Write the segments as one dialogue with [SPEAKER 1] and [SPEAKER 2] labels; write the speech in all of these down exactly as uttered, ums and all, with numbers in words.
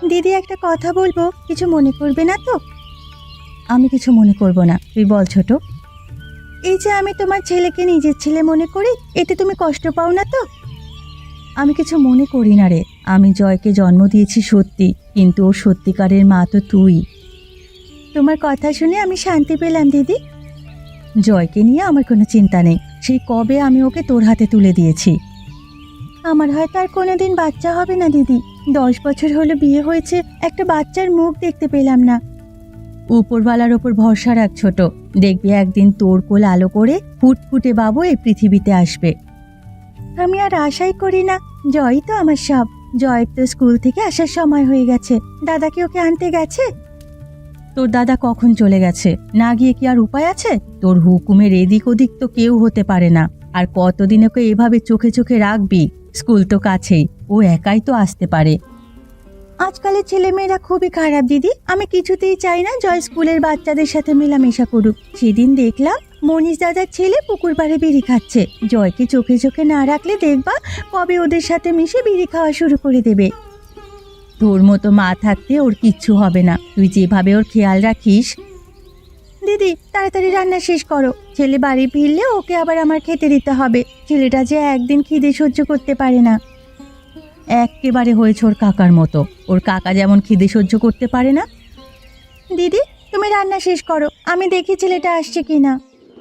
[SPEAKER 1] দিদি একটা কথা বলবো, কিছু মনে করবে না তো? আমি কিছু মনে করব না, তুই বল ছোট। এই যে আমি তোমার ছেলেকে নিজের ছেলে মনে করি, এতে তুমি কষ্ট পাও না তো? আমি কিছু মনে করি না রে। আমি জয়কে জন্ম দিয়েছি সত্যি, কিন্তু ওর সত্যিকারের মা তো তুই। তোমার কথা শুনে আমি শান্তি পেলাম দিদি। জয়কে নিয়ে আমার কোনো চিন্তা নেই, সেই কবে আমি ওকে তোর হাতে তুলে দিয়েছি। আমার হয়তো আর কোনোদিন বাচ্চা হবে না দিদি। দশ বছর হলো বিয়ে হয়েছে, একটা বাচ্চার মুখ দেখতে পেলাম না। উপরওয়ালার ওপর ভরসা রাখ ছোট, দেখবি একদিন তোর কোল আলো করে ফুটফুটে বাবু এই পৃথিবীতে আসবে। আমি আর আশাই করি না, জয় তো আমার সব। জয়ের তো স্কুল থেকে আসার সময় হয়ে গেছে, দাদা কি ওকে আনতে গেছে? তোর দাদা কখন চলে গেছে, না গিয়ে কি আর উপায় আছে? তোর হুকুমের এদিক ওদিক তো কেউ হতে পারে না। আর কতদিন ওকে এভাবে চোখে চোখে রাখবি? স্কুল তো কাছেই, ও একাই তো আসতে পারে। আজকালের ছেলেমেয়েরা খুবই খারাপ দিদি। আমি কিছুতেই চাই না জয় স্কুলের বাচ্চাদের সাথে মেলামেশা করুক। সেদিন দেখলাম মনীষ দাদার ছেলে পুকুর পাড়ে বিড়ি খাচ্ছে। জয়কে চোখে চোখে না রাখলে দেখবা কবে ওদের সাথে মিশে বিড়ি খাওয়া শুরু করে দেবে। তোর মতো মা থাকতে ওর কিচ্ছু হবে না, তুই যেভাবে ওর খেয়াল রাখিস। দিদি তাড়াতাড়ি রান্না শেষ করো, ছেলে বাড়ি ফিরলে ওকে আবার আমার খেতে দিতে হবে। ছেলেটা যে একদিন খিদে সহ্য করতে পারে না। একেবারে হয়েছে ওর কাকার মতো। ওর কাকা যেমন খিদে সহ্য করতে পারে না। দিদি তুমি রান্না শেষ করো, আমি দেখি ছেলেটা আসছে কিনা।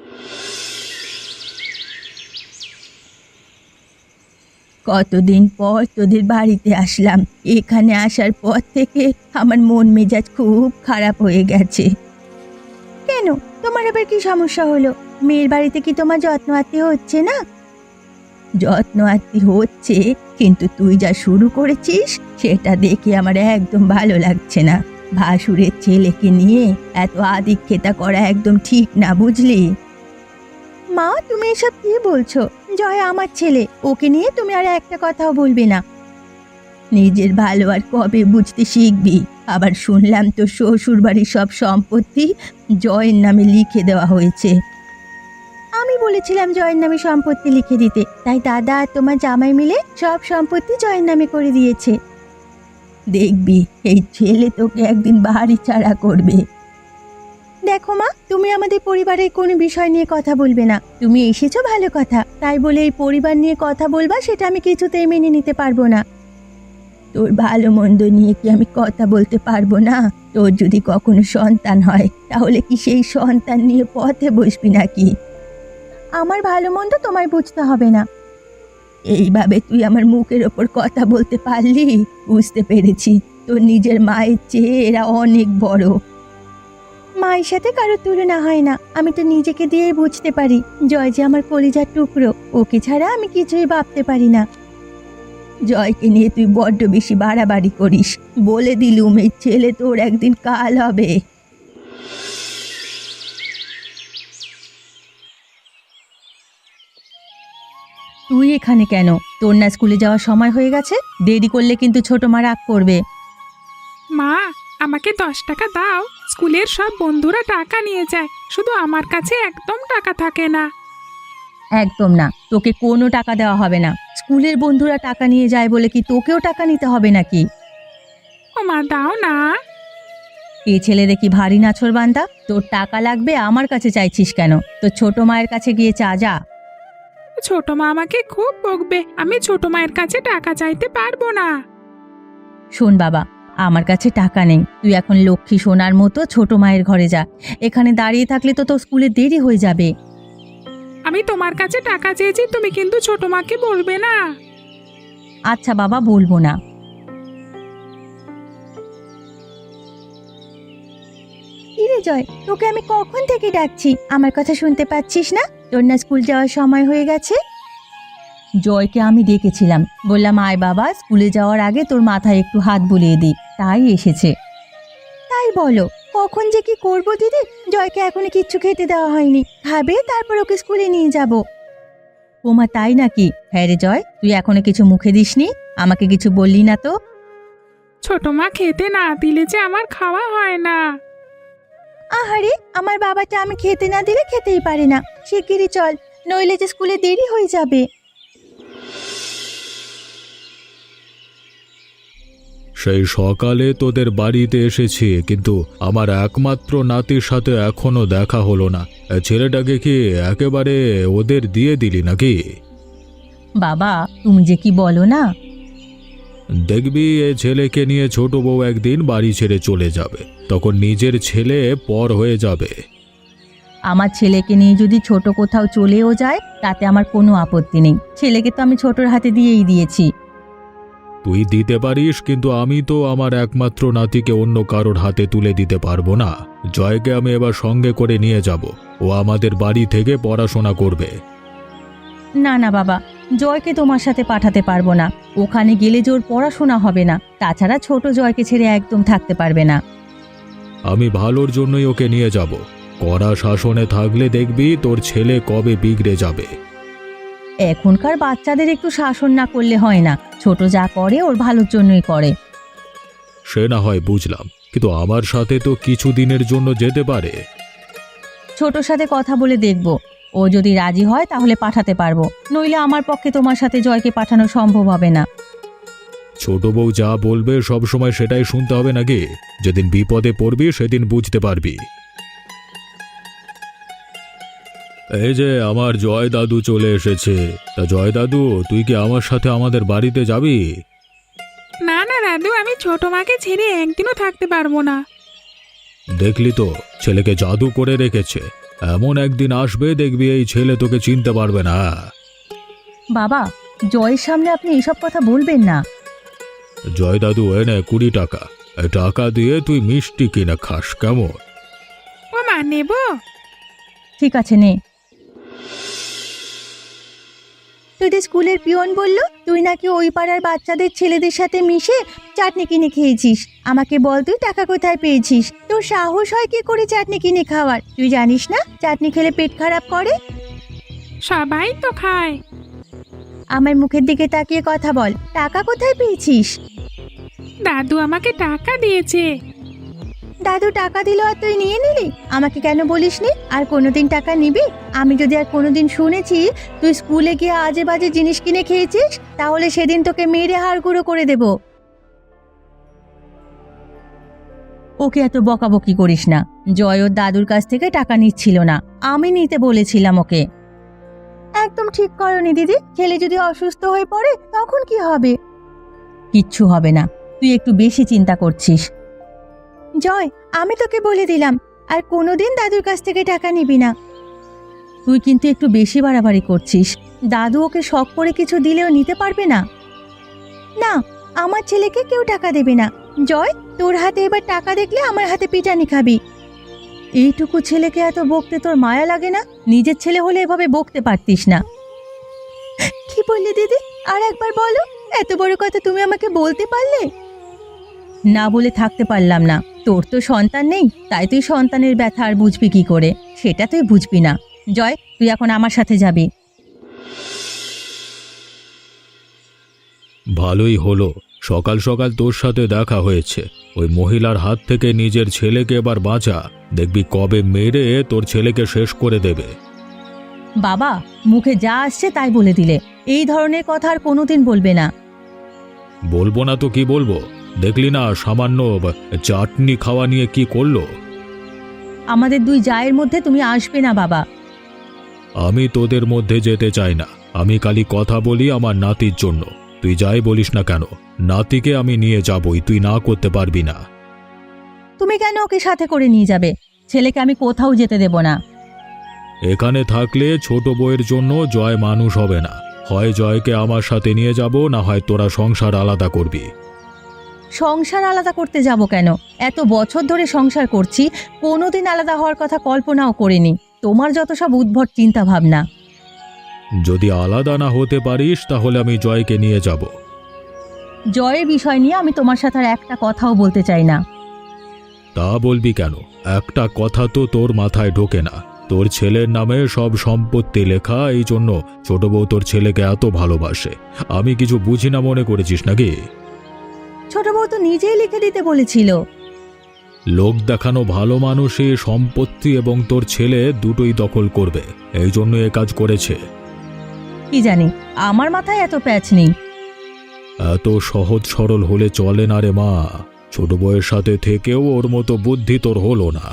[SPEAKER 1] কতদিন পর তোদের বাড়িতে আসলাম। এখানে আসার পর থেকে আমার মন মেজাজ খুব খারাপ হয়ে গেছে। কেন, তোমার আবার কি সমস্যা হলো? মেয়ের বাড়িতে কি তোমার যত্ন আত্তি হচ্ছে না? যত্ন আত্তি হচ্ছে, কিন্তু তুই যা শুরু করেছিস সেটা দেখে আমার একদম ভালো লাগছে না। ভাসুরের ছেলেকে নিয়ে এত আদিক্ষেতা করা একদম ঠিক না, বুঝলি? মা তুমি এসব কি বলছো? জয় আমার ছেলে, ওকে নিয়ে তুমি আর একটা কথাও বলবে না। নিজের ভালো আর কবে বুঝতে শিখবি? আবার শুনলাম তো শ্বশুর বাড়ির সব সম্পত্তি জয়ের নামে লিখে দেওয়া হয়েছে। আমি বলেছিলাম জয়ের নামে সম্পত্তি লিখে দিতে, তাই দাদা আর তোমার জামাই মিলে সব সম্পত্তি জয়ের নামে করে দিয়েছে। দেখবি এই ছেলে তোকে একদিন বাড়ি ছাড়া করবে। দেখো মা, তুমি আমাদের পরিবারের কোনো বিষয় নিয়ে কথা বলবে না। তুমি এসেছো ভালো কথা, তাই বলে এই পরিবার নিয়ে কথা বলবা সেটা আমি কিছুতেই মেনে নিতে পারবো না। তোর ভালো মন্দ নিয়ে কি আমি কথা বলতে পারবো না? তোর যদি কখনো সন্তান হয় তাহলে কি সেই সন্তান নিয়ে পথে বসবি নাকি? আমার ভালো মন্দ তোমায় বুঝতে হবে না। এইভাবে তুই আমার মুখের ওপর কথা বলতে পারলি? বুঝতে পেরেছি, তোর নিজের মায়ের চেয়ে এরা অনেক বড়। মায়ের সাথে কারো তুলনা হয় না। আমি তো নিজেকে দিয়েই বুঝতে পারি জয় যে আমার কলিজার টুকরো, ওকে ছাড়া আমি কিছুই ভাবতে পারি না। জয়কে নিয়ে তুই বড্ড বেশি বাড়াবাড়ি করিস। বলে দিলুম এই ছেলে তোর একদিন কাল হবে। তুই এখানে কেন? তোর না স্কুলে যাওয়ার সময় হয়ে গেছে? দেরি করলে কিন্তু ছোট মা রাগ করবে।
[SPEAKER 2] মা, আমাকে দশ টাকা দাও। স্কুলের সব বন্ধুরা টাকা নিয়ে যায়, শুধু আমার কাছে একদম টাকা থাকে না।
[SPEAKER 1] একদম না, তোকে কোনো টাকা দেওয়া হবে না। স্কুলের বন্ধুরা টাকা নিয়ে যায় বলে কি তোকেও টাকা নিতে হবে নাকি?
[SPEAKER 2] ও মা, দাও না।
[SPEAKER 1] এ ছেলে দেখি ভারী নাছোড়বান্দা। তোর টাকা লাগবে, আমার কাছে চাইছিস কেন? তোর ছোট মায়ের কাছে গিয়ে চা যা।
[SPEAKER 2] ছোট মা আমাকে খুব বকবে, আমি ছোট মায়ের কাছে টাকা চাইতে পারবো না।
[SPEAKER 1] শোন বাবা, আমার কাছে টাকা নেই। তুই এখন লক্ষ্মী সোনার মতো ছোট মায়ের ঘরে যা। এখানে দাঁড়িয়ে থাকলে তো তোর স্কুলে দেরি হয়ে যাবে।
[SPEAKER 2] আমি তোমার কাছে টাকা চেয়েছি, তুমি কিন্তু ছোট মাকে বলবে না।
[SPEAKER 1] আচ্ছা বাবা, বলবো না। কিরে জয়, তোকে আমি কখন থেকে ডাকছি, আমার কথা শুনতে পাচ্ছিস না? তোর না স্কুল যাওয়ার সময় হয়ে গেছে? জয়কে আমি ডেকেছিলাম, বললাম আয় বাবা, স্কুলে যাওয়ার আগে তোর মাথায় একটু হাত বুলিয়ে দিই, তাই এসেছে। তাই বলো, কখন যে কি করবো দিদি? জয়কে এখনো কিচ্ছু খেতে দেওয়া হয়নি, খাবে তারপর ওকে স্কুলে নিয়ে যাব। ওমা তাই নাকি? হ্যাঁ রে জয়, তুই এখনো কিছু মুখে দিসনি, আমাকে কিছু বললি না তো।
[SPEAKER 2] ছোট মা খেতে না দিলে যে আমার খাওয়া হয় না।
[SPEAKER 1] আহারে, আমার বাবাটা আমি খেতে না দিলে খেতেই পারে না। শিগগিরই চল, নইলে যে স্কুলে দেরি হয়ে যাবে।
[SPEAKER 3] সেই সকালে তোদের বাড়িতে এসেছি, কিন্তু আমার একমাত্র নাতির সাথে এখনো দেখা হলো না। ছেলেটাকে কি একেবারে ওদের দিয়ে দিলি নাকি?
[SPEAKER 1] বাবা, তুমি যে কি বলো না।
[SPEAKER 3] দেখবি এ ছেলেকে নিয়ে ছোট বউ একদিন বাড়ি ছেড়ে চলে যাবে, তখন নিজের ছেলে পর হয়ে যাবে।
[SPEAKER 1] আমার ছেলেকে নিয়ে যদি ছোট কোথাও চলেও যায় তাতে আমার কোনো আপত্তি নেই। ছেলেকে তো আমি ছোটর হাতে দিয়েই দিয়েছি।
[SPEAKER 3] তুই দিতে পারিস, কিন্তু আমি তো আমার একমাত্র নাতিকে অন্য কারোর হাতে তুলে দিতে পারবো না। জয়কে আমি এবার সঙ্গে করে নিয়ে যাব, ও আমাদের বাড়ি থেকে পড়াশোনা করবে।
[SPEAKER 1] না না বাবা, জয়কে তোমার সাথে পাঠাতে পারবো না। ওখানে গেলে যে ওর পড়াশোনা হবে না, তাছাড়া ছোট জয়কে ছেড়ে একদম থাকতে পারবে না।
[SPEAKER 3] আমি ভালোর জন্যই ওকে নিয়ে যাব। কড়া শাসনে থাকলে দেখবি তোর ছেলে কবে বিগড়ে যাবে।
[SPEAKER 1] এখনকার বাচ্চাদের একটু শাসন না করলে হয় না। ছোট যা করে ওর ভালোর জন্যই করে।
[SPEAKER 3] সে না হয় বুঝলাম, কিন্তু আমার সাথে তো কিছু দিনের জন্য যেতে পারে।
[SPEAKER 1] ছোটর সাথে কথা বলে দেখব, ও যদি রাজি হয় তাহলে পাঠাতে পারবো, নইলে আমার পক্ষে তোমার সাথে জয়কে পাঠানো সম্ভব হবে না।
[SPEAKER 3] ছোট বউ যা বলবে সব সময় সেটাই শুনতে হবে নাকি? যেদিন বিপদে পড়বি সেদিন বুঝতে পারবি। এই যে আমার জয় দাদু চলে এসেছে। তা জয় দাদু, তুই কি আমার সাথে আমাদের বাড়িতে যাবি?
[SPEAKER 2] না না দাদু, আমি ছোট মাকে ছেড়ে একদিনও থাকতে পারবো না।
[SPEAKER 3] দেখলি তো, ছেলেকে জাদু করে রেখেছে। এমন একদিন আসবে দেখবি এই ছেলে তোকে চিনতে পারবে না।
[SPEAKER 1] বাবা, জয়ের সামনে আপনি এসব কথা বলবেন না।
[SPEAKER 3] জয় দাদু, এনে কুড়ি টাকা। এই টাকা দিয়ে তুই মিষ্টি কিনে খাস, কেমন?
[SPEAKER 2] ও মা, নেব?
[SPEAKER 1] ঠিক আছে, নে। তোদের স্কুলের পিয়ন বলল তুই নাকি ওই পাড়ার বাচ্চাদের ছেলেদের সাথে মিশে চাটনি কিনে খেয়েছিস। আমাকে বল, তুই টাকা কোথায় পেয়েছিস? তোর সাহস হয় কি করে চাটনি কিনে খাওয়ার? তুই জানিস না চাটনি খেলে পেট খারাপ করে?
[SPEAKER 2] সবাই তো খায়।
[SPEAKER 1] আমার মুখের দিকে তাকিয়ে কথা বল, টাকা কোথায় পেয়েছিস?
[SPEAKER 2] দাদু আমাকে টাকা দিয়েছে।
[SPEAKER 1] দাদু টাকা দিল আর তুই নিয়ে নিলি? আমাকে কেন বলিসনি? আর কোনোদিন টাকা নিবি? আমি যদি আর কোনোদিন শুনেছি তুই স্কুলে গিয়ে আজে বাজে জিনিস কিনে খেয়েছিস, তাহলে সেদিন তোকে মেরে হাড় গুঁড়ো করে দেব। ওকে এত বকাবকি করিস না। জয় ওর দাদুর কাছ থেকে টাকা নিচ্ছিল না, আমি নিতে বলেছিলাম ওকে। একদম ঠিক করনি দিদি। ছেলে যদি অসুস্থ হয়ে পড়ে তখন কি হবে? কিচ্ছু হবে না, তুই একটু বেশি চিন্তা করছিস। জয়, আমি তোকে বলে দিলাম আর কোনোদিন দাদুর কাছ থেকে টাকা নিবি না। তুই কিন্তু একটু বেশি বাড়াবাড়ি করছিস। দাদু ওকে শখ করে কিছু দিলেও নিতে পারবে না। না, আমার ছেলেকে কেউ টাকা দেবে না। জয়, তোর হাতে এবার টাকা দেখলে আমার হাতে পিটানি খাবি। এইটুকু ছেলেকে এত বকতে তোর মায়া লাগে না? নিজের ছেলে হলে এভাবে বকতে পারতিস না। কি বললি দিদি? আর একবার বলো। এত বড় কথা তুমি আমাকে বলতে পারলে? না বলে থাকতে পারলাম না। তোর তো সন্তান নেই, তাই তুই সন্তানের ব্যথা আর বুঝবি কি করে? সেটা তুই বুঝবি না। জয়, তুই এখন আমার সাথে যাবি।
[SPEAKER 3] ভালোই হলো, সকাল সকাল তোর সাথে দেখা হয়েছে। ওই মহিলার হাত থেকে নিজের ছেলেকে এবার বাঁচা, দেখবি কবে মেরে তোর ছেলেকে শেষ করে দেবে।
[SPEAKER 1] বাবা, মুখে যা আসছে তাই বলে দিলে। এই ধরনের কথা আর কোনোদিন বলবে না।
[SPEAKER 3] বলবো না তো কি বলবো? দেখলি না সামান্য চাটনি খাওয়া নিয়ে কি করলো?
[SPEAKER 1] আমাদের দুই জায়ের মধ্যে তুমি আসবে না বাবা।
[SPEAKER 3] আমি তোদের মধ্যে যেতে চাই না। আমি খালি কথা বলি আমার নাতির জন্য। তুই যাই বলিস না কেন, নাতিকে আমি নিয়ে যাবই, তুই না করতে পারবি না।
[SPEAKER 1] তুমি কেন ওকে সাথে করে নিয়ে যাবে? ছেলেকে আমি কোথাও যেতে দেব না।
[SPEAKER 3] এখানে থাকলে ছোট বউয়ের জন্য জয় মানুষ হবে না। হয় জয়কে আমার সাথে নিয়ে যাব, না হয় তোরা সংসার আলাদা করবি।
[SPEAKER 1] সংসার আলাদা করতে যাব কেন? এত বছর ধরে সংসার করছি, কোনোদিন আলাদা হওয়ার কথা কল্পনাও করিনি। তোমার যত সব উদ্ভট চিন্তা ভাবনা।
[SPEAKER 3] যদি আলাদা না হতে পারিস তাহলে আমি জয়কে নিয়ে যাব।
[SPEAKER 1] জয়ের বিষয় নিয়ে আমি তোমার সাথে আর একটা কথাও বলতে চাই না।
[SPEAKER 3] তা বলবি কেন? একটা কথা তো তোর মাথায় ঢোকে না। তোর ছেলের নামে সব সম্পত্তি লেখা, এই জন্য ছোট বউ তোর ছেলেকে এত ভালোবাসে। আমি কিছু বুঝি না মনে করেছিস নাকি?
[SPEAKER 1] ছোট বউ তো নিজেই লিখে দিতে বলেছিল।
[SPEAKER 3] লোক দেখানো ভালো মানুষই সম্পত্তি এবং তোর ছেলে দুটোই দখল করবে, এই জন্য এ কাজ করেছে।
[SPEAKER 1] কি জানি, আমার মাথায় এত প্যাচ নেই।
[SPEAKER 3] এত সহজ সরল হলে চলে না রে মা। ছোট বউয়ের সাথে থেকেও ওর মতো বুদ্ধি তোর হলো না।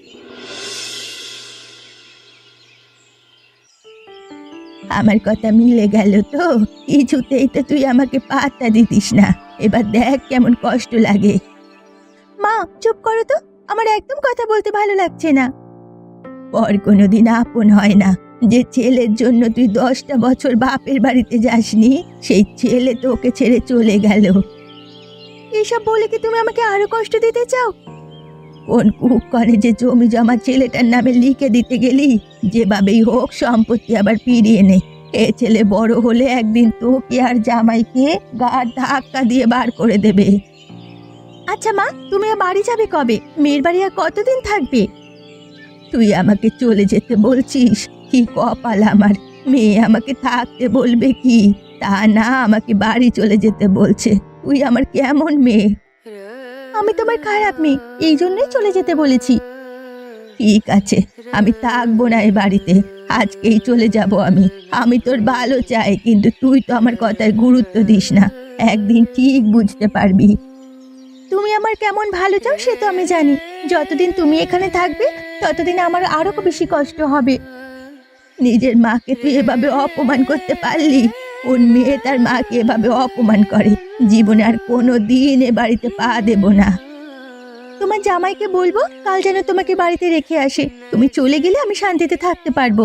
[SPEAKER 1] আমার কথা মিলে গেল তো? কিছুতেই তো তুই আমাকে পাত্তা দিতিস না, এবার দেখ কেমন কষ্ট লাগে। মা চুপ করো তো, আমার একদম কথা বলতে ভালো লাগছে না। পর কোনোদিন আপন হয় না। যে ছেলের জন্য তুই দশটা বছর বাপের বাড়িতে যাসনি, সেই ছেলে তোকে ছেড়ে চলে গেল। এইসব বলে কি তুমি আমাকে আরো কষ্ট দিতে চাও? কোন কুক করে যে জমি জমা ছেলেটার নামে লিখে দিতে গেলি? যেভাবেই হোক সম্পত্তি আবার ফিরিয়ে নে। এ ছেলে বড় হলে একদিন তোকে আর জামাইকে গাড় ধাক্কা দিয়ে বার করে দেবে। আচ্ছা মা, তুমি আর বাড়ি যাবে কবে? মেয়ের বাড়ি আর কতদিন থাকবে? তুই আমাকে চলে যেতে বলছিস? কি কপাল আমার! মেয়ে আমাকে থাকতে বলবে কি? তা না, আমাকে বাড়ি চলে যেতে বলছে। তুই আমার কেমন মেয়ে? আমি তোমার খারাপ মেয়ে, এই জন্যই চলে যেতে বলেছি। ঠিক আছে, আমি থাকবো না এই বাড়িতে, আজকেই চলে যাব আমি। আমি তোর ভালো চাই, কিন্তু তুই তো আমার কথায় গুরুত্ব দিস না। একদিন ঠিক বুঝতে পারবি। তুমি আমার কেমন ভালো চাও সে তো আমি জানি। যতদিন তুমি এখানে থাকবে ততদিন আমার আরো বেশি কষ্ট হবে। নিজের মাকে তুই এভাবে অপমান করতে পারলি? ওর মেয়ে তার মাকে এভাবে অপমান করে? জীবনে আর কোনো দিন এ বাড়িতে পা দেব না। তোমার জামাইকে বলবো কাল যেন তোমাকে বাড়িতে রেখে আসে। তুমি চলে গেলে আমি শান্তিতে থাকতে পারবো।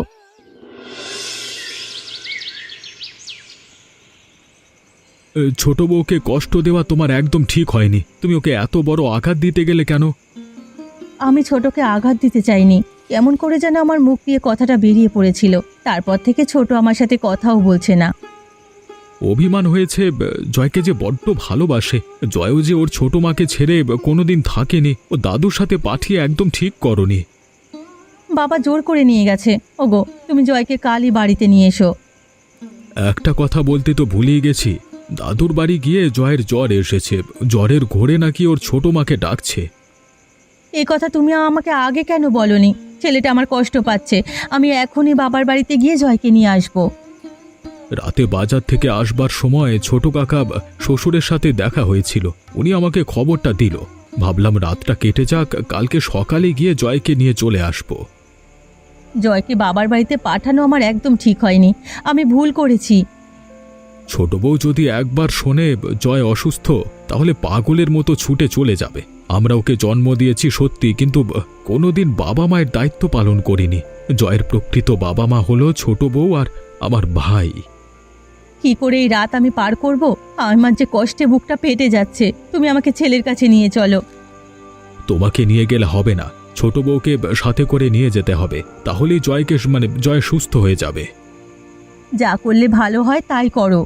[SPEAKER 3] এ, ছোট বউকে কষ্ট দেওয়া তোমার একদম ঠিক হয়নি। তুমি ওকে এত বড় আঘাত দিতে গেলে কেন?
[SPEAKER 1] আমি ছোটকে আঘাত দিতে চাইনি। কেমন করে যেন আমার মুখ দিয়ে কথাটা বেরিয়ে পড়েছিল। তারপর থেকে ছোট আমার সাথে কথাও বলছে না।
[SPEAKER 3] অভিমান হয়েছে। জয়কে যে বড্ড ভালোবাসে। জয়ও যে ওর ছোট মাকে ছেড়ে কোনোদিন থাকেনি। ও দাদুর সাথে পাঠিয়ে একদম ঠিক করনি।
[SPEAKER 1] বাবা জোর করে নিয়ে গেছে। ওগো, তুমি জয়কে কালই বাড়িতে নিয়ে এসো।
[SPEAKER 3] একটা কথা বলতে তো ভুলেই গেছি। দাদুর বাড়ি গিয়ে জয়ের জ্বর এসেছে। জ্বরের ঘোরে নাকি ওর ছোট মাকে ডাকছে।
[SPEAKER 1] এই কথা তুমি আমাকে আগে কেন বলনি? ছেলেটা আমার কষ্ট পাচ্ছে। আমি এখনই বাবার বাড়িতে গিয়ে জয়কে নিয়ে আসবো।
[SPEAKER 3] রাতে বাজার থেকে আসবার সময় ছোট কাকা শ্বশুরের সাথে দেখা হয়েছিল। উনি আমাকে খবরটা দিল। ভাবলাম রাতটা কেটে যাক, কালকে সকালে গিয়ে জয়কে নিয়ে চলে আসব।
[SPEAKER 1] জয়কে বাবার বাড়িতে পাঠানো আমার একদম ঠিক হয়নি। আমি ভুল করেছি।
[SPEAKER 3] ছোট বউ যদি একবার শোনে জয় অসুস্থ, তাহলে পাগলের মতো ছুটে চলে যাবে। আমরা ওকে জন্ম দিয়েছি সত্যি, কিন্তু কোনোদিন বাবা মায়ের দায়িত্ব পালন করিনি। জয়ের প্রকৃত বাবা মা হলো ছোট বউ আর আমার ভাই।
[SPEAKER 1] কি করে এই রাত আমি পার করব? আমার যে কষ্টে বুকটা ফেটে যাচ্ছে। তুমি আমাকে ছেলের কাছে নিয়ে চলো।
[SPEAKER 3] তোমাকে নিয়ে গেলে হবে না, ছোট বউকে সাথে করে নিয়ে যেতে হবে। তাহলেই জয়কে মানে জয় সুস্থ হয়ে যাবে।
[SPEAKER 1] যা করলে ভালো হয় তাই করো।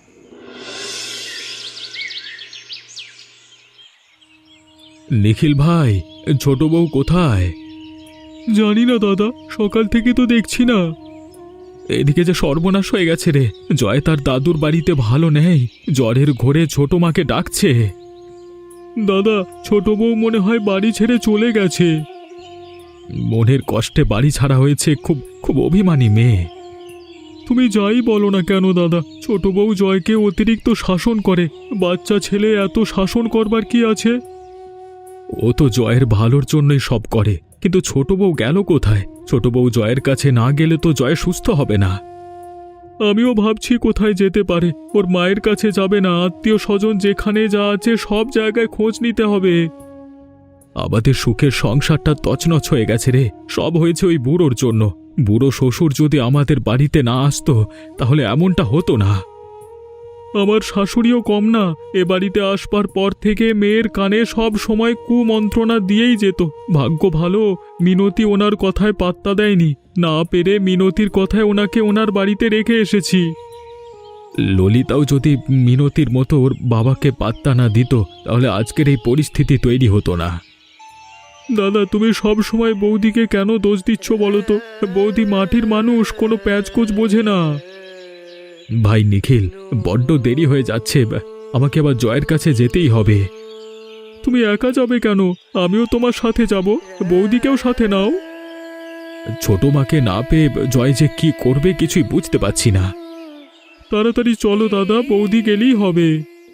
[SPEAKER 3] নিখিল ভাই, ছোট বউ কোথায়? জানি না দাদা, সকাল থেকে তো দেখছি না। এদিকে যে সর্বনাশ হয়ে গেছে রে। জয় তার দাদুর বাড়িতে ভালো নেই। জ্বরের ঘোরে ছোট মাকে ডাকছে। দাদা, ছোট বউ মনে হয় বাড়ি ছেড়ে চলে গেছে। মনের কষ্টে বাড়ি ছাড়া হয়েছে। খুব খুব অভিমানী মেয়ে। তুমি যাই বলো না কেন দাদা, ছোট বউ জয়কে অতিরিক্ত শাসন করে। বাচ্চা ছেলে, এত শাসন করবার কি আছে? ও তো জয়ের ভালোর জন্যই সব করে, কিন্তু ছোট বউ গেল কোথায়? ছোট বউ জয়ের কাছে না গেলে তো জয় সুস্থ হবে না। আমিও ভাবছি কোথায় যেতে পারে। ওর মায়ের কাছে যাবে না, আত্মীয় স্বজন যেখানে যা আছে সব জায়গায় খোঁজ নিতে হবে। আমাদের সুখের সংসারটা তছনছ হয়ে গেছে রে। সব হয়েছে ওই বুড়োর জন্য। বুড়ো শ্বশুর যদি আমাদের বাড়িতে না আসতো, তাহলে এমনটা হতো না। আমার শাশুড়িও কম না। এ বাড়িতে আসবার পর থেকে মেয়ের কানে সব সময় কুমন্ত্রণা দিয়েই যেত। ভাগ্য ভালো, মিনতি ওনার কথায় পাত্তা দেয়নি। না পেরে মিনতির কথায় ওনাকে ওনার বাড়িতে রেখে এসেছি। ললিতাও যদি মিনতির মতো ওর বাবাকে পাত্তা না দিত, তাহলে আজকের এই পরিস্থিতি তৈরি হতো না। দাদা, তুমি সব সময় বৌদিকে কেন দোষ দিচ্ছ বলো তো? বৌদি মাটির মানুষ, কোনো প্যাচকোচ বোঝে না। ভাই নিখিল, বড্ড দেরি হয়ে যাচ্ছে। আমাকে আবার জয়ের কাছে যেতেই হবে। তুমি একা যাবে কেন? আমিও তোমার সাথে যাব। বৌদিকেও সাথে নাও। ছোট মাকে না পেয়ে জয় যে কি করবে কিছুই বুঝতে পারছি না। তাড়াতাড়ি চলো দাদা, বৌদি গেলেই হবে।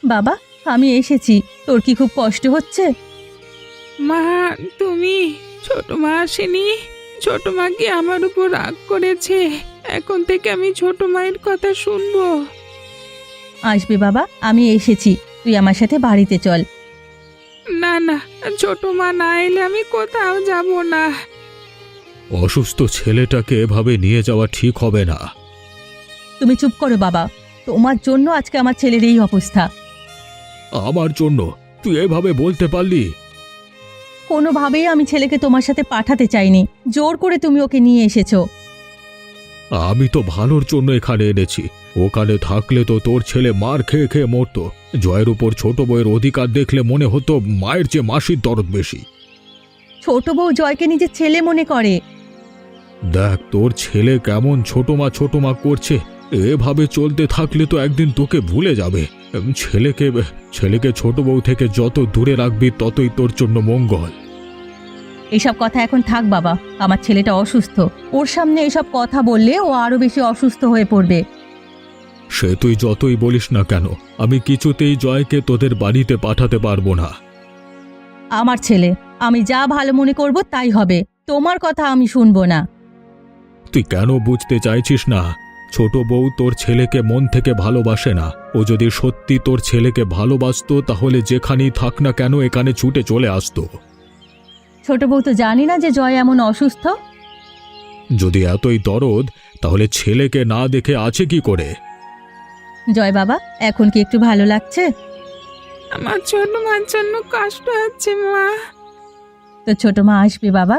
[SPEAKER 1] বাবা, আমি এসেছি। তোর কি খুব কষ্ট হচ্ছে?
[SPEAKER 2] মা, তুমি? ছোট মা আসেনি? ছোট মা কি আমার উপর রাগ করেছে? এখন থেকে আমি ছোট মায়ের কথা শুনবো?
[SPEAKER 1] আসবে বাবা, আমি এসেছি। তুই আমার সাথে বাড়িতে চল।
[SPEAKER 2] না না, ছোট মা না এলে আমি কোথাও যাব না।
[SPEAKER 3] অসুস্থ ছেলেটাকে এভাবে নিয়ে যাওয়া ঠিক হবে না।
[SPEAKER 1] তুমি চুপ করো বাবা। তোমার জন্য আজকে আমার ছেলের এই অবস্থা।
[SPEAKER 3] আমার জন্য তুই এভাবে বলতে পারলি?
[SPEAKER 1] কোনোভাবেই আমি ছেলেকে তোমার সাথে পাঠাতে চাইনি। জোর করে তুমি ওকে নিয়ে এসেছো।
[SPEAKER 3] আমি তো ভালোর জন্য এখানে এনেছি। ওখানে থাকলে তো তোর ছেলে মার খেয়ে খেয়ে মরতো। জয়ের উপর ছোট বউয়ের অধিকার দেখলে মনে হতো মায়ের চেয়ে মাসির দরদ বেশি।
[SPEAKER 1] ছোট বউ জয়কে নিজের ছেলে মনে করে।
[SPEAKER 3] দেখ তোর ছেলে কেমন ছোট মা ছোট মা করছে। এভাবে চলতে থাকলে তো একদিন তোকে ভুলে যাবে। উম, ছেলেকে ছেলেকে ছোট বউ থেকে যত দূরে রাখবি ততই তোর জন্য মঙ্গল।
[SPEAKER 1] এসব কথা এখন থাক বাবা। আমার ছেলেটা অসুস্থ। ওর সামনে এসব কথা বললে ও আরো বেশি অসুস্থ হয়ে পড়বে।
[SPEAKER 3] সে তুই যতই বলিস না কেন, আমি কিছুতেই জয়কে তোদের বাড়িতে পাঠাতে পারবো না।
[SPEAKER 1] আমার ছেলে, আমি যা ভালো মনে করব তাই হবে। তোমার কথা আমি শুনবো না।
[SPEAKER 3] তুই কেন বুঝতে চাইছিস না? ছোট বউ তোর ছেলেকে মন থেকে ভালোবাসে না। ও যদি সত্যি তোর ছেলেকে ভালোবাসতো তাহলে যেখানেই থাক না কেন এখানে ছুটে চলে আসতো।
[SPEAKER 1] ছোট বউ তো জানি না যে জয় এমন অসুস্থ।
[SPEAKER 3] যদি এতই দরদ তাহলে ছেলেকে না দেখে আছে কি করে?
[SPEAKER 1] জয় বাবা, এখন কি একটু ভালো লাগছে?
[SPEAKER 2] আমার ছোট মার জন্য কষ্ট হচ্ছে মা।
[SPEAKER 1] তো ছোট মা আসবে বাবা।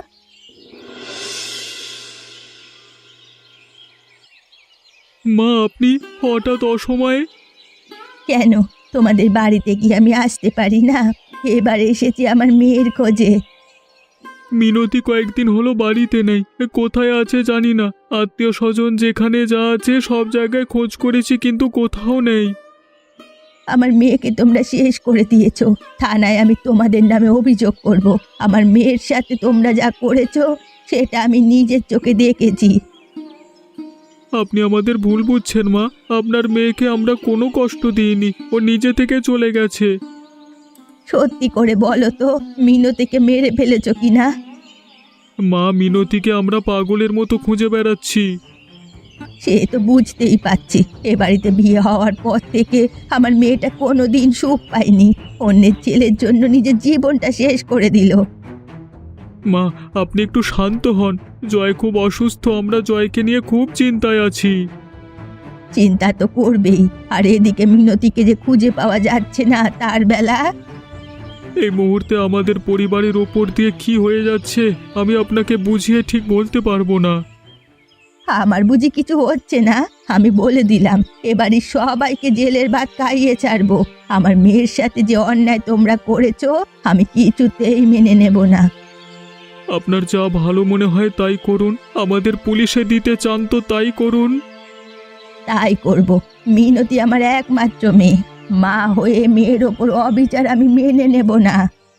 [SPEAKER 3] মা, আপনি হঠাৎ অসময়ে?
[SPEAKER 1] কেন, তোমাদের বাড়িতে কি আমি আসতে পারি না? এবার এসেছি আমার মেয়ের খোঁজে।
[SPEAKER 3] মিনতি কয়েকদিন হলো বাড়িতে নেই। কোথায় আছে জানি না। আত্মীয় স্বজন যেখানে যা আছে সব জায়গায় খোঁজ করেছি কিন্তু কোথাও নেই।
[SPEAKER 1] আমার মেয়েকে তোমরা শেষ করে দিয়েছো। থানায় আমি তোমাদের নামে অভিযোগ করব। আমার মেয়ের সাথে তোমরা যা করেছো সেটা আমি নিজের চোখে দেখেছি।
[SPEAKER 3] আপনি আমাদের ভুল বুঝছেন মা। আপনার মেয়েকে আমরা কোনো কষ্ট দিইনি। ও নিজে থেকে চলে গেছে।
[SPEAKER 1] সত্যি করে বলো তো, মিনতিকে মেরে ফেলেছো কিনা?
[SPEAKER 3] মা, মিনতিকে আমরা পাগলের মতো খুঁজে বেড়াচ্ছি।
[SPEAKER 1] সে তো বুঝতেই পারছি। এ বাড়িতে বিয়ে হওয়ার পর থেকে আমার মেয়েটা কোনো দিন সুখ পায়নি। অন্যের ছেলের জন্য নিজের জীবনটা শেষ করে দিল।
[SPEAKER 3] মা, আপনি একটু শান্ত হন। জয় খুব অসুস্থ। আমরা জয়কে নিয়ে খুব চিন্তায় আছি।
[SPEAKER 1] চিন্তা তো করবেই। আর এদিকে মিনতিকে যে খুঁজে পাওয়া যাচ্ছে না তার বেলা।
[SPEAKER 3] এই মুহূর্তে আমাদের পরিবারের ওপর দিয়ে কি হয়ে যাচ্ছে আমি আপনাকে বুঝিয়ে ঠিক বলতে পারবো না।
[SPEAKER 1] আমার বুঝি কিছু হচ্ছে না? আমি বলে দিলাম এবারই সবাইকে জেলের ভাত খাইয়ে ছাড়বো। আমার মেয়ের সাথে যে অন্যায় তোমরা করেছো আমি কিছুতেই মেনে নেব না।
[SPEAKER 3] আপনার যা ভালো মনে হয় তাই করুন। আমাদের পুলিশে দিতে চান তো তাই করুন।
[SPEAKER 1] তাই করব। মিনতি আমার একমাত্র মেয়ে। মা হয়ে মেয়ের ওপর অবিচার আমি মেনে নেব না।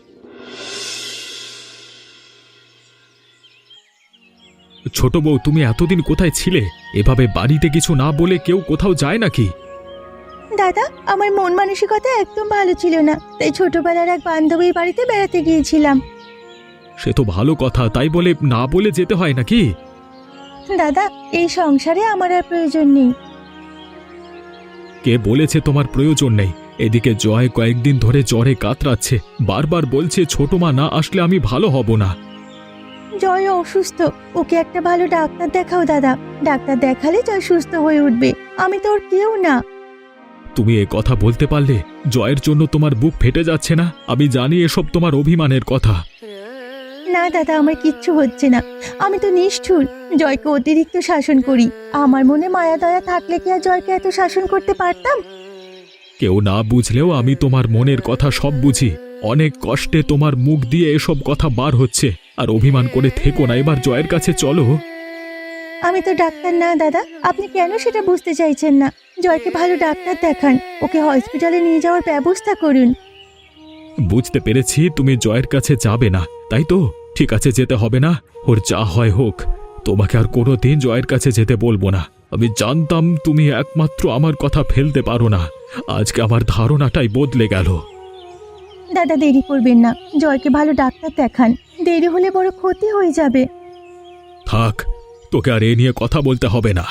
[SPEAKER 3] ছোট বউ, তুমি এতদিন কোথায় ছিলে? এভাবে বাড়িতে কিছু না বলে কেউ কোথাও যায় নাকি?
[SPEAKER 1] দাদা, আমার মন মানসিকতা একদম ভালো ছিল না, তাই ছোটবেলার এক বান্ধবীর বাড়িতে বেড়াতে গিয়েছিলাম।
[SPEAKER 3] সে তো ভালো কথা, তাই বলে না বলে যেতে হয় নাকি?
[SPEAKER 1] দাদা, এই সংসারে আমার আর প্রয়োজন নেই।
[SPEAKER 3] কে বলেছে তোমার প্রয়োজন নেই? এদিকে জয় কয়েকদিন ধরে জ্বরে কাতরাচ্ছে। বারবার বলছে ছোট মা না আসলে আমি ভালো হব না।
[SPEAKER 1] জয় অসুস্থ, ওকে একটা ভালো ডাক্তার দেখাও দাদা। ডাক্তার দেখালে জয় সুস্থ হয়ে উঠবে। আমি তো ওর কেউ না।
[SPEAKER 3] তুমি এ কথা বলতে পারলে? জয়ের জন্য তোমার বুক ফেটে যাচ্ছে না? আমি জানি এসব তোমার অভিমানের কথা।
[SPEAKER 1] না দাদা, আমার কিচ্ছু হচ্ছে না। আমি তো নিষ্ঠুর, জয়কে অতিরিক্ত শাসন করি। আমার মনে মায়া দয়া থাকলে কি আর জয়কে এত শাসন করতে পারতাম?
[SPEAKER 3] কেউ না বুঝলেও আমি তোমার মনের কথা সব বুঝি। অনেক কষ্টে তোমার মুখ দিয়ে এসব কথা বার হচ্ছে। আর অভিমান করে থেকো না, এবার জয়ের কাছে চলো।
[SPEAKER 1] আমি তো ডাক্তার না দাদা, আপনি কেন সেটা বুঝতে চাইছেন না? জয়কে ভালো ডাক্তার দেখান, ওকে হসপিটালে নিয়ে যাওয়ার ব্যবস্থা করুন।
[SPEAKER 3] বুঝতে পেরেছি তুমি জয়ের কাছে যাবে না, তাই তো? ঠিক আছে, যেতে হবে না। ওর যা হয় হোক। তোমাকে আর কোনো দিন জয়ের কাছে যেতে বলবো না। আমি জানতাম তুমি একমাত্র আমার কথা ফেলতে পারো না। আজকে আমার ধারণাটাই বদলে গেল।
[SPEAKER 1] দাদা দেরি করবেন না, জয়কে ভালো ডাক্তার দেখান, দেরি হলে বড় ক্ষতি হয়ে যাবে।
[SPEAKER 3] থাক, তোকে আর এ নিয়ে কথা বলতে হবে না।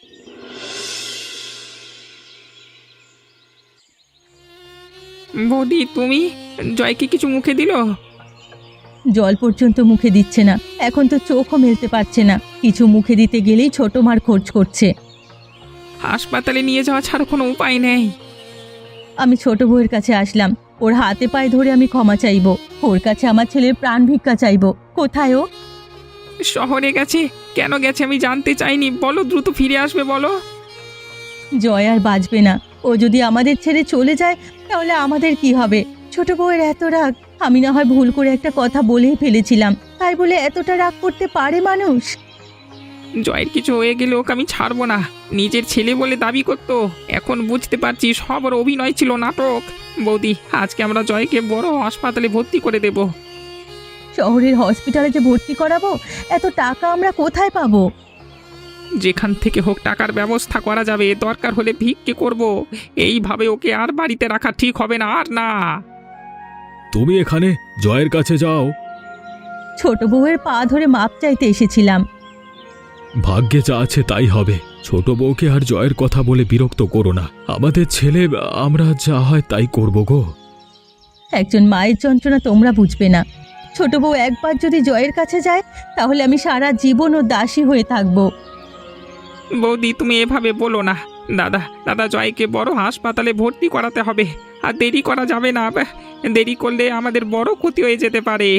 [SPEAKER 2] বৌদি তুমি জয়কে কিছু মুখে দিল?
[SPEAKER 1] জল পর্যন্ত মুখে দিচ্ছে না, এখন তো চোখও মেলতে পারছে না। কিছু মুখে দিতে গেলেই ছোট মার খোঁজ করছে।
[SPEAKER 2] হাসপাতালে নিয়ে যাওয়া ছাড়া কোনো উপায় নেই।
[SPEAKER 1] আমি ছোট বউয়ের কাছে আসলাম, ওর হাতে পায়ে ধরে আমি ক্ষমা চাইবো, ওর কাছে আমার ছেলের প্রাণ ভিক্ষা চাইবো। কোথায় ও?
[SPEAKER 2] শহরে গেছে। কেন গেছে আমি জানতে চাইনি, বলো দ্রুত ফিরে আসবে বলো।
[SPEAKER 1] জয় আর বাঁচবে না। ও যদি আমাদের ছেড়ে চলে যায় তাহলে আমাদের কি হবে? ছোট বউয়ের এত রাগ, আমি না হয় ভুল করে একটা কথা বলেই ফেলেছিলাম, তাই বলে এতটা রাগ করতে পারে মানুষ?
[SPEAKER 2] জয়ের কিছু হয়ে গেলে ওকে আমি ছাড়বো না। নিজের ছেলে বলে দাবি করতো, এখন বুঝতে পারছি সব ওর অভিনয় ছিল, নাটক। বৌদি আজকে আমরা জয়কে বড় হাসপাতালে ভর্তি করে দেব।
[SPEAKER 1] শহরের হসপিটালে যে ভর্তি করাবো, এত টাকা আমরা কোথায় পাবো?
[SPEAKER 2] যেখান থেকে হোক টাকার ব্যবস্থা করা যাবে, দরকার হলে ভিক্ষে করব। এইভাবে ওকে আর বাড়িতে রাখা ঠিক হবে না, আর না।
[SPEAKER 3] তুমি এখানে জয়ের কাছে যাও।
[SPEAKER 1] ছোট বউয়ের পা ধরে মাপ চাইতে এসেছিলাম।
[SPEAKER 3] ভাগ্যে যা আছে তাই হবে। ছোট বউকে আর জয়ের কথা বলে বিরক্ত করো না। আমাদের ছেলে, আমরা যা হয় তাই করব গো।
[SPEAKER 1] একজন মায়ের যন্ত্রণা তোমরা বুঝবে না। ছোট বউ একবার যদি জয়ের কাছে যায় তাহলে আমি সারা জীবন ও দাসী হয়ে থাকবো।
[SPEAKER 2] বৌদি তুমি এভাবে বলো না। দাদা দাদা জয়কে বড় হাসপাতালে ভর্তি করাতে হবে, আর দেরি করা যাবে না। দেরি করলে আমাদের বড় ক্ষতি হয়ে যেতে পারে।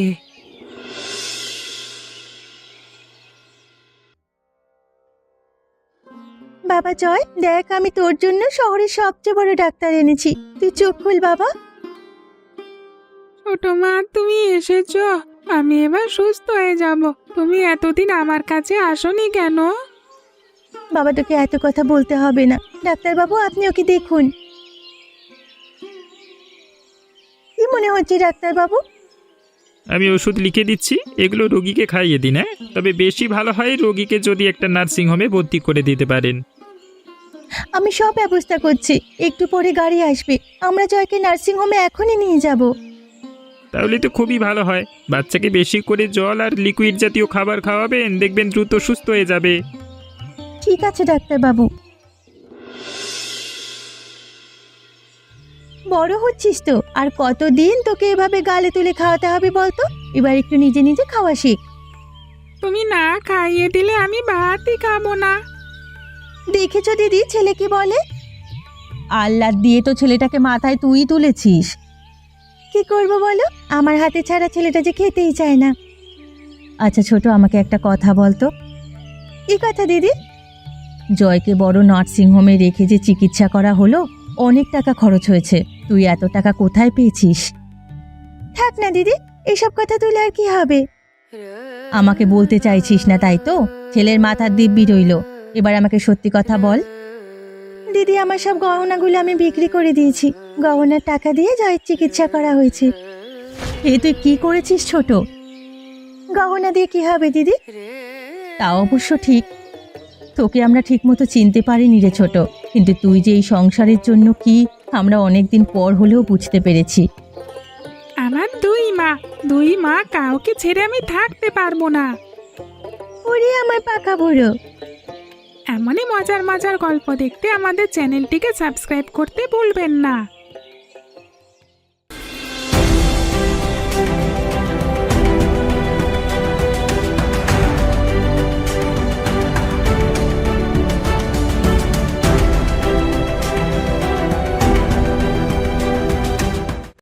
[SPEAKER 1] বাবা জয়, দেখ আমি তোর জন্য শহরের সবচেয়ে বড় ডাক্তার এনেছি, তুই চোখ খুল বাবা।
[SPEAKER 2] ছোট মা তুমি এসেছো, আমি এবার সুস্থ হয়ে যাব। তুমি এতদিন আমার কাছে আসোনি কেন?
[SPEAKER 1] বাবা তোকে এত কথা বলতে হবে না, ডাক্তার বাবু আপনি ওকে দেখুন। কি মনে হচ্ছে ডাক্তার বাবু?
[SPEAKER 4] আমি ওষুধ লিখে দিচ্ছি, এগুলো রোগীকে খাইয়ে দিন। হ্যাঁ, তবে বেশি ভালো হয় রোগীকে যদি একটা নার্সিং হোমে ভর্তি করে দিতে পারেন।
[SPEAKER 1] আমি সব ব্যবস্থা করছি, একটু পরে গাড়ি আসবে, আমরা জয়কে নার্সিং হোমে এখনই নিয়ে যাব।
[SPEAKER 4] তাহলে তো খুবই ভালো হয়। বাচ্চাকে বেশি করে জল আর লিকুইড জাতীয় খাবার খাওয়াবেন, দেখবেন দ্রুত সুস্থ হয়ে যাবে।
[SPEAKER 1] ঠিক আছে ডাক্তার বাবু। বড় হচ্ছিস তো, আর কতদিন তোকে এভাবে গালে তুলে খাওয়াতে হবে বলতো? এবার একটু নিজে নিজে খাওয়া শিখ।
[SPEAKER 2] তুমি না খাইয়ে দিলে আমি ভাতই খাবো না।
[SPEAKER 1] দেখেছো দিদি ছেলে কি বলে? আল্লাহ দিয়ে তো ছেলেটাকে মাথায় তুই তুলেছিস। কি করব বলো, আমার হাতে ছাড়া ছেলেটা যে খেতেই চায় না। আচ্ছা ছোট, আমাকে একটা কথা বলতো। কি কথা দিদি? জয়কে বড় নার্সিং হোমে রেখে যে চিকিৎসা করা হলো, অনেক টাকা খরচ হয়েছে, তুই এত টাকা কোথায় পেয়েছিস? থাক না দিদি, এসব কথা তুলে আর কি হবে? আমাকে বলতে চাইছিস না তাই তো? ছেলের মাথার দিব্যি রইল, এবার আমাকে সত্যি কথা বল। দিদি আমার সব গহনাগুলো আমি বিক্রি করে দিয়েছি, গহনার টাকা দিয়ে জয়ের চিকিৎসা করা হয়েছে। এ তুই কি করেছিস ছোট? গহনা দিয়ে কি হবে দিদি? তা অবশ্য ঠিক, তোকে আমরা ঠিকমতো চিনতে পারিনি রে ছোট, কিন্তু তুই যে এই সংসারের জন্য কি আমরা অনেকদিন পর হলেও বুঝতে পেরেছি।
[SPEAKER 2] আমার দুই মা, দুই মা কাউকে ছেড়ে আমি থাকতে পারবো না।
[SPEAKER 1] ওরে আমার পাকা বুড়ো।
[SPEAKER 2] এমনই মজার মজার গল্প দেখতে আমাদের চ্যানেলটিকে সাবস্ক্রাইব করতে ভুলবেন না।